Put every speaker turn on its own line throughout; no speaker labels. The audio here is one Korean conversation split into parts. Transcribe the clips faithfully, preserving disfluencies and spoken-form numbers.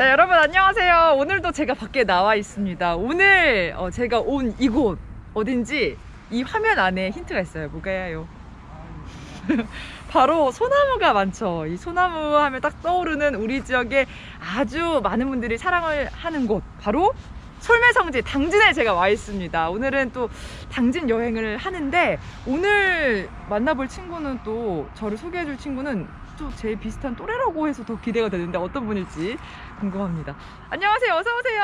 네, 여러분 안녕하세요. 오늘도 제가 밖에 나와 있습니다. 오늘 어, 제가 온 이곳 어딘지 이 화면 안에 힌트가 있어요. 뭐가요? 바로 소나무가 많죠. 이 소나무 하면 딱 떠오르는 우리 지역에 아주 많은 분들이 사랑을 하는 곳, 바로 솔매성지 당진에 제가 와 있습니다. 오늘은 또 당진 여행을 하는데, 오늘 만나볼 친구는, 또 저를 소개해줄 친구는 또 제 비슷한 또래라고 해서 더 기대가 되는데 어떤 분일지 궁금합니다. 안녕하세요. 어서오세요.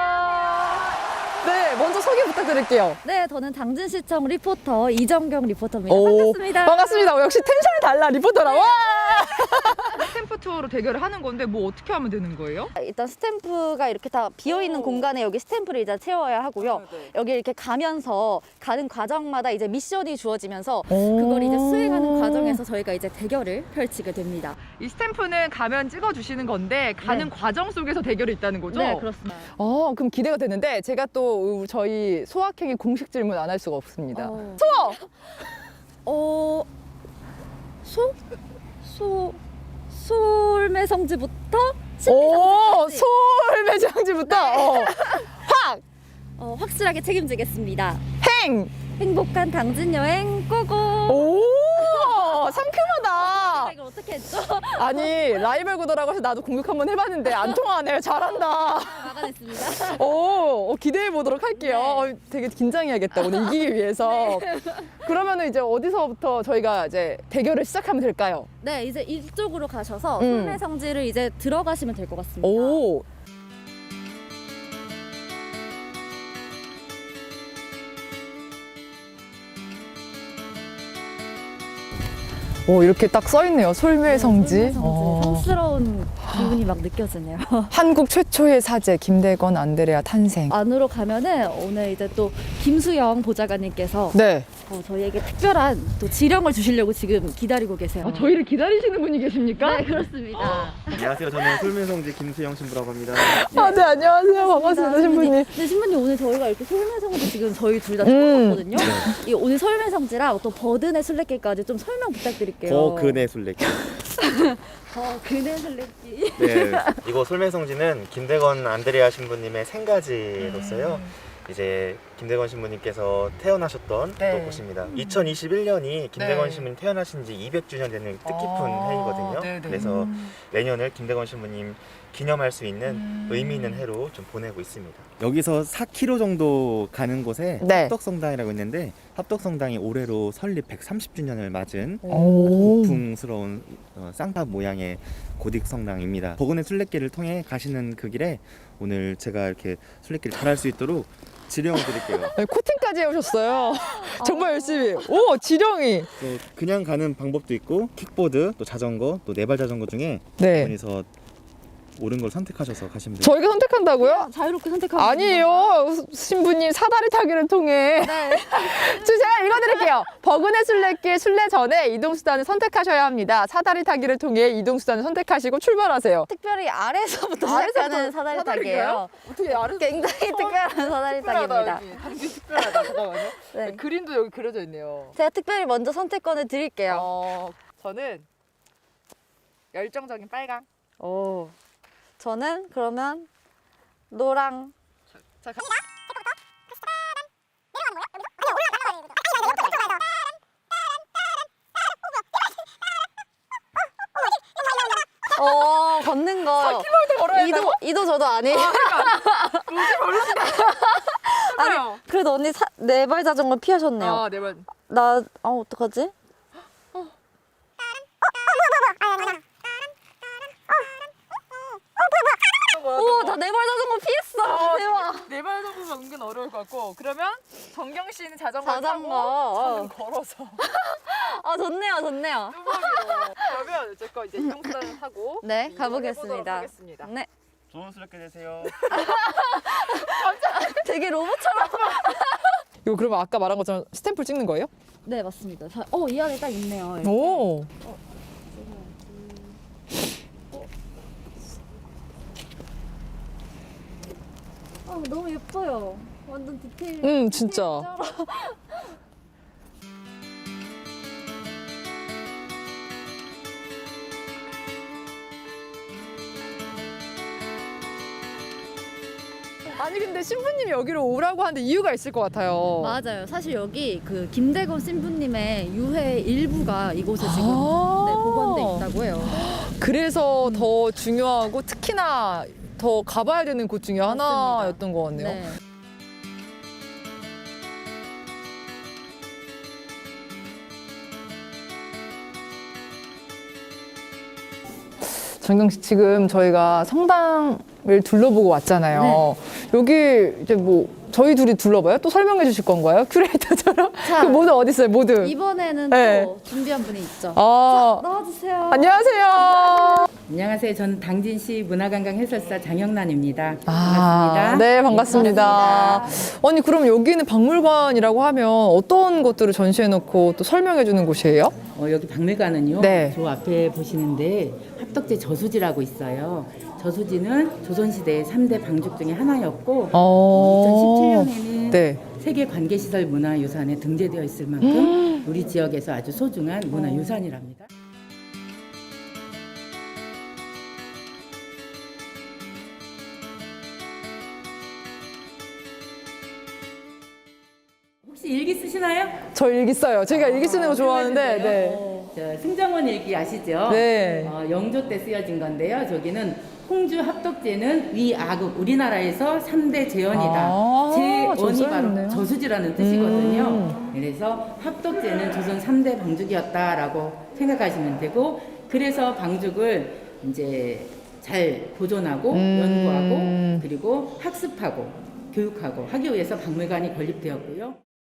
네, 먼저 소개 부탁드릴게요.
네, 저는 당진시청 리포터 이정경 리포터입니다.
오,
반갑습니다.
반갑습니다. 역시 텐션이 달라, 리포터라. 와! 스탬프 투어로 대결을 하는 건데 뭐 어떻게 하면 되는 거예요?
일단 스탬프가 이렇게 다 비어있는
오.
공간에 여기 스탬프를 이제 채워야 하고요.
아, 네.
여기 이렇게 가면서 가는 과정마다 이제 미션이 주어지면서
오.
그걸 이제 수행하는 과정에서 저희가 이제 대결을 펼치게 됩니다.
이 스탬프는 가면 찍어주시는 건데 가는
네.
과정 속에서 대결이 있다는 거죠?
네, 그렇습니다.
어, 그럼 기대가 되는데, 제가 또 저희 소확행이 공식 질문 안 할 수가 없습니다.
어.
소어!
어... 소? 소... 솔매성지부터
오,
식비상지까지
솔매장지부터 어. 확!
어, 확실하게 책임지겠습니다.
행!
행복한 당진 여행 고고!
오! 상큼하다!
이걸 어떻게 했죠?
아니, 라이벌 구도라고 해서 나도 공격 한번 해봤는데 안 통하네요. 잘한다.
막아냈습니다.
오, 어, 기대해 보도록 할게요.
네.
어, 되게 긴장해야겠다, 오늘 이기기 위해서. 그러면은 이제 어디서부터 저희가 이제 대결을 시작하면 될까요?
네, 이제 이쪽으로 가셔서
음.
솔매성지를 이제 들어가시면 될 것 같습니다.
오. 오, 이렇게 딱 써있네요. 솔매성지.
솔매성지.
어.
성스러운 기분이 막 느껴지네요.
한국 최초의 사제 김대건 안드레아 탄생.
안으로 가면은 오늘 이제 또 김수영 보좌관님께서
네.
어, 저희에게 특별한 또 지령을 주시려고 지금 기다리고 계세요.
아, 저희를 기다리시는 분이 계십니까?
네, 그렇습니다.
안녕하세요. 저는 솔매성지 김수영 신부라고 합니다.
아, 네, 안녕하세요. 반갑습니다, 신부님.
네, 신부님 오늘 저희가 이렇게 솔매성지 지금 저희 둘 다
음.
처음 봤거든요. 이 오늘 솔매성지랑 또 버든의 술래길까지 좀 설명 부탁드릴게요.
거근의 술래길.
어, 그네 술래길.
네, 이곳 솔매성지는 김대건 안드레아 신부님의 생가지로서요. 이제 김대건 신부님께서 태어나셨던
네.
또 곳입니다. 이천이십일 년이 김대건
네.
신부님 태어나신 지 이백 주년 되는 뜻깊은
아,
해이거든요.
네네.
그래서
음.
내년을 김대건 신부님 기념할 수 있는
음.
의미 있는 해로 좀 보내고 있습니다. 여기서 사 킬로미터 정도 가는 곳에
네.
합덕성당이라고 있는데, 합덕성당이 올해로 설립 백삼십 주년을 맞은
오.
고풍스러운 어, 쌍탑 모양의 고딕 성당입니다. 버근의 술래길을 통해 가시는 그 길에 오늘 제가 이렇게 술래길 잘할 수 있도록 지령을 드릴게요.
네, 코팅까지 해오셨어요. 정말 열심히. 오, 지령이.
또 그냥 가는 방법도 있고, 킥보드, 또 자전거, 또 네발 자전거 중에
네.
어디서 옳은 걸 선택하셔서 가시면 돼요.
저희가 선택한다고요?
자유롭게 선택하면
아니에요. 신부님 사다리 타기를 통해.
네.
저 제가 읽어드릴게요. 버근의 술래길 순례 전에 이동수단을 선택하셔야 합니다. 사다리 타기를 통해 이동수단을 선택하시고 출발하세요.
특별히 아래에서부터
아래서부터
시작하는 사다리
사다리인가요?
타기예요.
어떻게 알아서
굉장히 특별한 사다리 타기입니다.
당연히 특별하다. 잠깐만요.
네.
그림도 여기 그려져 있네요.
제가 특별히 먼저 선택권을 드릴게요.
어, 저는 열정적인 빨강.
오. 저는 그러면 노랑.
자, 가...
어, 걷는 거.
사 킬로미터 걸어야
이도
된다고?
이도 저도 아니에요.
로지 별로시다.
아니, 그래도 언니 네 발 자전거 피하셨네요.
아, 네 번.
나, 아, 어떡하지? 오, 나 네 발 자전거 피했어. 대박.
네발 정도면 은근 어려울 것 같고, 그러면 정경 씨는 자전거
자전거.
타고
어.
저는 걸어서
아, 좋네요, 좋네요.
뚜벅이로. 그러면 어쨌건 이제 이동수단을 타고
네,
이동을
가보겠습니다.
해보도록 하겠습니다.
네.
좋은 술래길 되세요.
되게 로봇처럼.
이거 그러면 아까 말한 것처럼 스탬프 찍는 거예요?
네, 맞습니다. 자, 어, 이 안에 딱 있네요. 이렇게.
오.
아, 너무 예뻐요. 완전 디테일.
음, 진짜.
디테일처럼.
아니 근데 신부님이 여기로 오라고 하는데 이유가 있을 것 같아요.
맞아요. 사실 여기 그 김대건 신부님의 유해 일부가 이곳에 지금
아~
네, 보관돼 있다고 해요.
그래서 더 중요하고 특히나 더 가봐야 되는 곳 중에
맞습니다.
하나였던 것 같네요.
네.
정경 씨, 지금 저희가 성당을 둘러보고 왔잖아요.
네.
여기 이제 뭐 저희 둘이 둘러봐요? 또 설명해 주실 건가요? 큐레이터처럼?
자,
그 모두 어디 있어요? 모두.
이번에는
네.
또 준비한 분이 있죠.
아,
자, 나와주세요.
안녕하세요.
안녕하세요. 저는 당진시 문화관광 해설사 장영란입니다.
아,
반갑습니다.
네, 반갑습니다. 아니, 그럼 여기는 박물관이라고 하면 어떤 것들을 전시해 놓고 또 설명해 주는 곳이에요?
어, 여기 박물관은요.
네.
저 앞에 보시는데 합덕제 저수지라고 있어요. 저수지는 조선시대 삼 대 방죽 중에 하나였고
어,
이천십칠 년에는
네.
세계 관계시설 문화유산에 등재되어 있을 만큼 우리 지역에서 아주 소중한 문화유산이랍니다. 혹시 일기 쓰시나요?
저 일기 써요. 제가 일기 쓰는 거 좋아하는데, 네.
저 승정원 일기 아시죠?
네.
어, 영조 때 쓰여진 건데요. 저기는 홍주 합덕제는 위아극 우리나라에서 삼 대 재원이다.
아,
재원이
저 써있네요.
바로 저수지라는 뜻이거든요.
음.
그래서 합덕제는 조선 삼 대 방죽이었다라고 생각하시면 되고, 그래서 방죽을 이제 잘 보존하고
음.
연구하고 그리고 학습하고 교육하고 하기 위해서 박물관이 건립되었고요.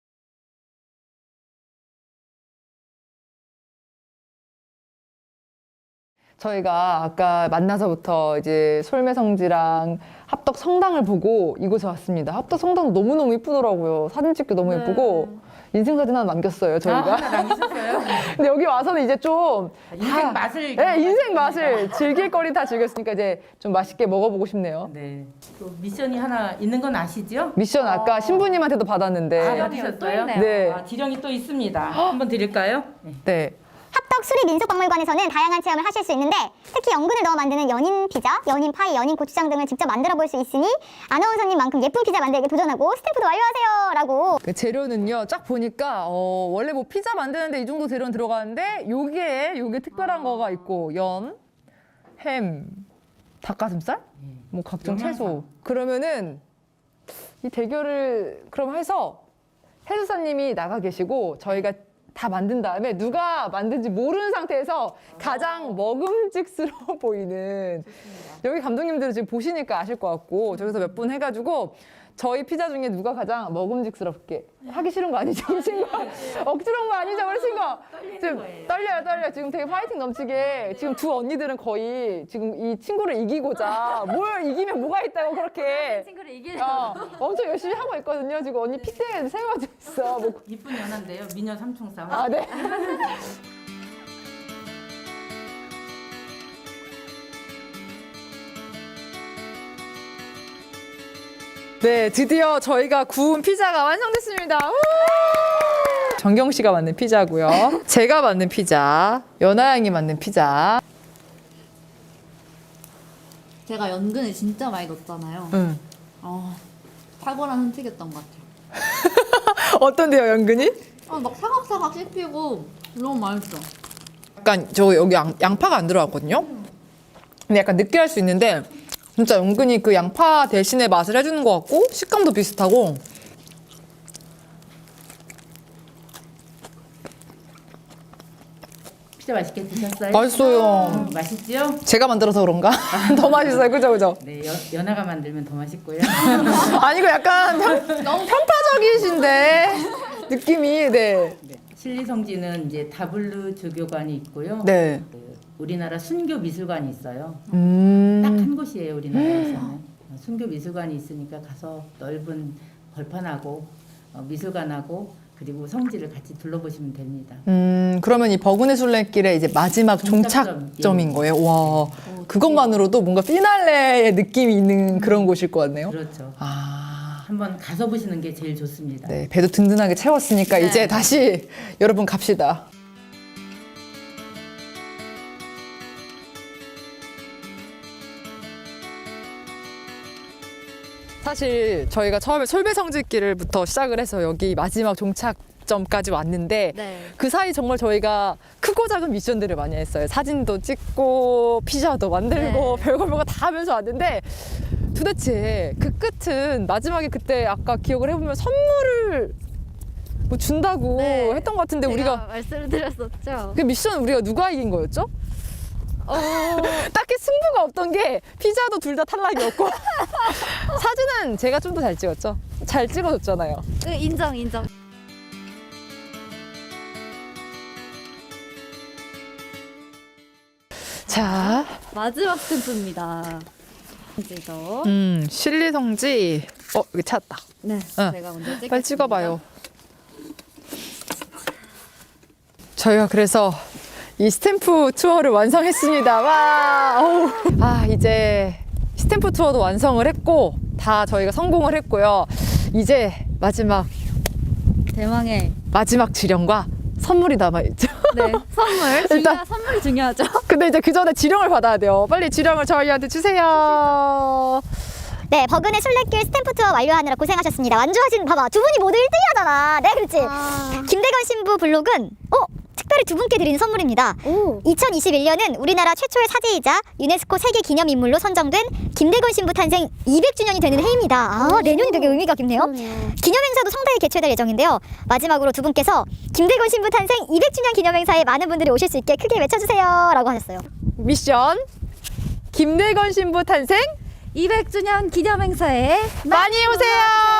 저희가 아까 만나서부터 이제 솔매성지랑 합덕 성당을 보고 이곳에 왔습니다. 합덕 성당 너무너무 이쁘더라고요. 사진 찍기 너무 예쁘고 인생사진 하나 남겼어요, 저희가.
아, 하나 남기셨어요?
근데 여기 와서는 이제 좀
인생
다-
맛을
네, 인생
경험하셨습니다.
맛을 즐길 거리 다 즐겼으니까 이제 좀 맛있게 먹어보고 싶네요.
네. 또 미션이 하나 있는 건 아시죠?
미션 아까 신부님한테도 받았는데.
아,
또
받으셨어요?
있네요.
네.
아, 지령이 또 있습니다. 한번 드릴까요? 네.
네.
합덕 수리민속박물관에서는 다양한 체험을 하실 수 있는데 특히 연근을 넣어 만드는 연인 피자, 연인 파이, 연인 고추장 등을 직접 만들어 볼 수 있으니 아나운서님만큼 예쁜 피자 만들기 도전하고 스탬프도 완료하세요 라고.
그 재료는요, 쫙 보니까 어, 원래 뭐 피자 만드는데 이 정도 재료는 들어가는데 요게 요게 특별한 거가 있고 연, 햄, 닭가슴살, 뭐 각종
영양사.
채소. 그러면은 이 대결을 그럼 해서 해수사님이 나가 계시고 저희가 다 만든 다음에 누가 만든지 모르는 상태에서 가장 먹음직스러워 보이는 여기 감독님들은 지금 보시니까 아실 것 같고 저기서 몇 분 해가지고 저희 피자 중에 누가 가장 먹음직스럽게 하기 싫은 거 아니죠, 우리 친구? 억지로 한 거 아니죠, 우리 친구? 지금 떨려요, 떨려. 지금 되게 파이팅 넘치게 지금 두 언니들은 거의 지금 이 친구를 이기고자 뭘 이기면 뭐가 있다고 그렇게
친구를 이기는
어, 엄청 열심히 하고 있거든요. 지금 언니 핏대에 세워져 있어. 뭐.
이쁜 연한데요. 미녀 삼총사.
아, 네. 네, 드디어 저희가 구운 피자가 완성됐습니다. 우! 정경 씨가 만든 피자고요. 제가 만든 피자, 연아 양이 만든 피자.
제가 연근을 진짜 많이 넣었잖아요.
응.
어, 탁월한 선택이었던 것 같아요.
어떤데요, 연근이?
아, 막 사각사각 씹히고 너무 맛있어.
약간 저 여기 양, 양파가 안 들어갔거든요. 근데 약간 느끼할 수 있는데 진짜 은근히 그 양파 대신에 맛을 해주는 것 같고 식감도 비슷하고.
피자 맛있게 드셨어요?
맛있어요.
음, 맛있지요?
제가 만들어서 그런가? 더 맛있어요. 그죠, 그죠?
네, 연, 연아가 만들면 더 맛있고요.
아니, 이거 약간 편, 편파적이신데 느낌이. 네.
네. 신리성지는 이제 다블루 주교관이 있고요.
네.
그 우리나라 순교 미술관이 있어요. 딱
음.
한 곳이에요, 우리나라에서는. 순교 미술관이 있으니까 가서 넓은 벌판하고 어, 미술관하고 그리고 성지를 같이 둘러보시면 됩니다.
음, 그러면 이 버그네 술래길의 이제 마지막
종착점.
종착점인
예.
거예요. 와, 그것만으로도 뭔가 피날레의 느낌이 있는 그런 곳일 것 같네요.
그렇죠.
아,
한번 가서 보시는 게 제일 좋습니다.
네, 배도 든든하게 채웠으니까
네.
이제 다시 여러분 갑시다. 사실 저희가 처음에 솔배성지길부터 시작을 해서 여기 마지막 종착점까지 왔는데
네.
그 사이 정말 저희가 크고 작은 미션들을 많이 했어요. 사진도 찍고 피자도 만들고
네.
별걸 별거 다 하면서 왔는데 도대체 그 끝은 마지막에 그때 아까 기억을 해보면 선물을 뭐 준다고
네.
했던 것 같은데
제가
우리가
말씀을 드렸었죠.
그 미션 우리가 누가 이긴 거였죠?
어,
딱히 승부가 없던 게 피자도 둘 다 탈락이었고 사진은 제가 좀 더 잘 찍었죠. 잘 찍어줬잖아요.
그 인정 인정.
자,
마지막 스탬프입니다. 이거.
음, 실리성지. 어, 여기 찾았다.
네.
어.
제가 먼저 찍겠습니다.
빨리 찍어봐요. 저희가 그래서 이 스탬프 투어를 완성했습니다. 와, 어우. 아, 이제 스탬프 투어도 완성을 했고 다 저희가 성공을 했고요. 이제 마지막
대망의
마지막 지령과 선물이 남아있죠.
네 선물. 중요 선물이 중요하죠.
근데 이제 그 전에 지령을 받아야 돼요. 빨리 지령을 저희한테 주세요.
네, 버그네 술래길 스탬프 투어 완료하느라 고생하셨습니다. 완주하신, 봐봐, 두 분이 모두 일 등이 하잖아. 네, 그렇지.
아.
김대건 신부 블록은, 어, 특별히 두 분께 드리는 선물입니다.
오.
이천이십일 년은 우리나라 최초의 사제이자 유네스코 세계 기념인물로 선정된 김대건 신부 탄생 이백 주년이 되는 해입니다. 아, 내년이 되게 의미가 깊네요. 기념행사도 상당히 개최될 예정인데요. 마지막으로 두 분께서 김대건 신부 탄생 이백 주년 기념행사에 많은 분들이 오실 수 있게 크게 외쳐주세요. 라고 하셨어요.
미션 김대건 신부 탄생
이백 주년 기념행사에
많이 오세요.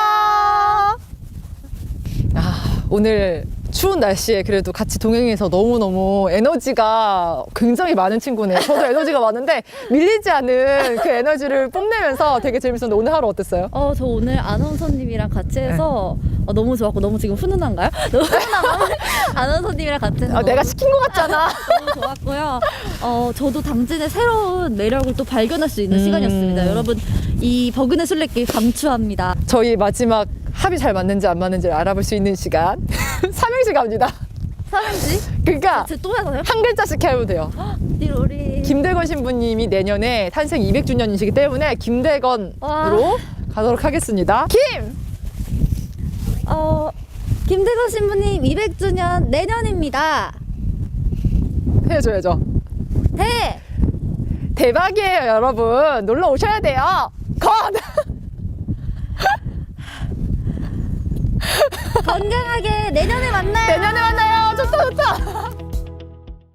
아, 오늘 추운 날씨에 그래도 같이 동행해서 너무너무 에너지가 굉장히 많은 친구네요. 저도 에너지가 많은데 밀리지 않은 그 에너지를 뽐내면서 되게 재밌었는데 오늘 하루 어땠어요?
어, 저 오늘 아나운서님이랑 같이 해서 어, 너무 좋았고 너무 지금 훈훈한가요? 너무 훈훈하고 아나운서님이랑 같이 해서
아, 내가
너무,
시킨 것 같잖아.
너무 좋았고요. 어, 저도 당진의 새로운 매력을 또 발견할 수 있는
음.
시간이었습니다. 여러분 이 버그네 술래길 강추합니다.
저희 마지막 합이 잘 맞는지 안 맞는지를 알아볼 수 있는 시간 삼행시 갑니다.
삼행시?
그러니까
제 또 해서요?
한 글자씩 해도 돼요.
띠로리.
김대건 신부님이 내년에 탄생 이백 주년이시기 때문에 김대건으로
와.
가도록 하겠습니다. 김!
어, 김대건 신부님 이백 주년 내년입니다.
해줘야죠.
대!
대박이에요, 여러분. 놀러 오셔야 돼요. 건!
건강하게 내년에 만나요.
내년에 만나요.